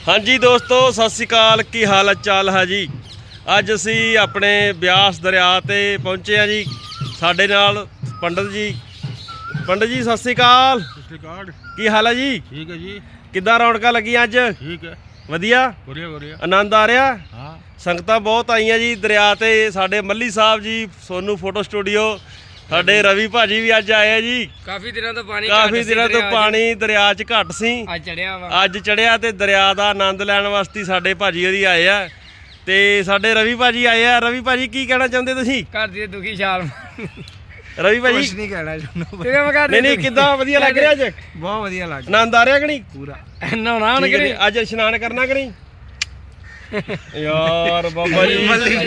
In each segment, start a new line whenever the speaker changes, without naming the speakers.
हाँ जी दोस्तों सत श्री अकाल की हाल चाल है जी। अज असी अपने ब्यास दरिया ते पहुँचे हैं जी। साडे नाल पंडित जी सत श्री अकाल। की हाल है जी?
ठीक है जी।
किद्दां रौनकां लगियां अज?
ठीक है,
वधिया आनंद आ रहा?
हाँ।
संगतां बहुत आईयां जी दरिया ते। साडे मल्ली साहब जी सोनू फोटो स्टूडियो, साडे रवि भाजी भी अज आए जी।
काफी दिनों तो पानी
दरिया च घट सी, अज चढ़िया ते दरिया का आनंद लैण वास्ते साडे भाजी होरी आए आ ते साडे रवि भाजी आए आ। रवि भाजी की कहना चाहुंदे तुसीं?
घर दी दुखी छाल
रवि भाजी
कुछ नहीं कहना चाहुंदा। नहीं
किद्दां वधिया लग रहा अज?
बहुत वधिया लग
आनंद आ रहा कि नहीं?
पूरा नहाना हुण कि नहीं?
अज इशनान करना कि नहीं? यार बाबा जी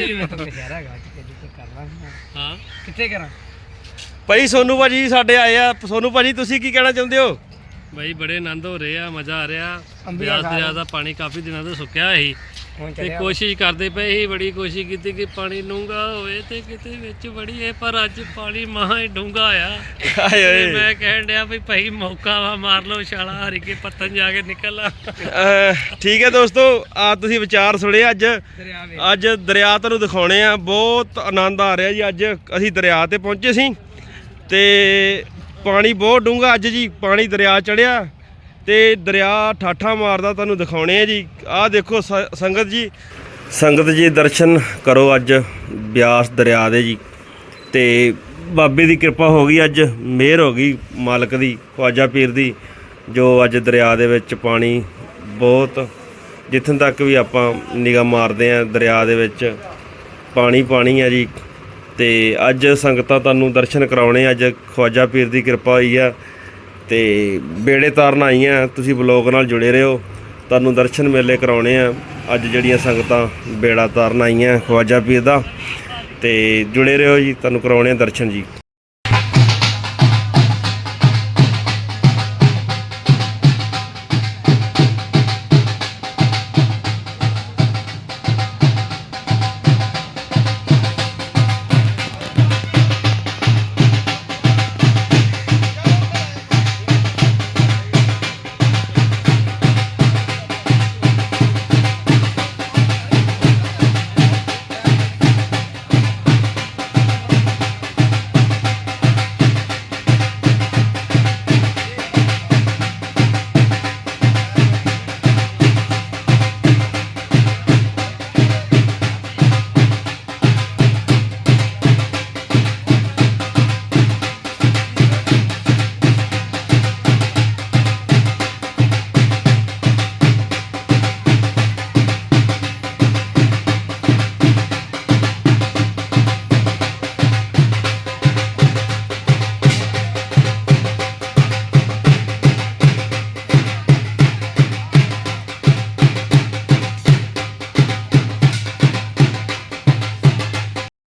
हाँ कित्थे करा
भाई सोनू भाजी साडे आए आ। सोनू भाजी तुसीं की कहना चाहुंदे हो?
भाई बड़े आनंद हो रहे आ, मज़ा आ रहा। ब्यास दरिया का पानी काफ़ी दिनों तो सुक्या ही ते कोशिश करते पे ही, बड़ी कोशिश की कि पानी डूंगा होवे ते किते विच बड़ीए, पर अज पानी महा ही डूंगा आया। मैं कहन दिया भी भाई मौका वा मार लो छाला हरी के पत्तन जाके निकल आ।
ठीक है दोस्तों, आ तुसीं विचार सुने अज दरिया तुहानूं दिखाउणे आ। बहुत आनंद आ रहा जी। अज असीं दरिया ते पहुंचे सी ते पानी बहुत डूंगा अज जी। पानी दरिया चढ़िया ते दरिया ठाठा मारदा तुहानूं दिखाउणे आ जी। आ देखो संगत जी दर्शन करो अज ब्यास दरिया दे जी। ते बाबे दी कृपा हो गई, अज मेहर हो गई मालक दी, ख्वाजा पीर दी, जो अज दरिया दे विच पानी बहुत जित्थों तक भी आपां निगाह मारदे आ दरिया दे विच पानी है जी। ते अज संगतां तुहानूं दर्शन कराउणे अज ख्वाजा पीर दी कृपा होई आ ते बेड़े तारन आईयां। तुसीं ब्लॉग नाल जुड़े रहो, तुहानूं दर्शन मेले कराउणे आ। अज जिहड़ियां संगतां बेड़ा तारन आईयां ख्वाजा पीर दा, ते जुड़े रहो जी, तुहानूं कराउणे दर्शन जी।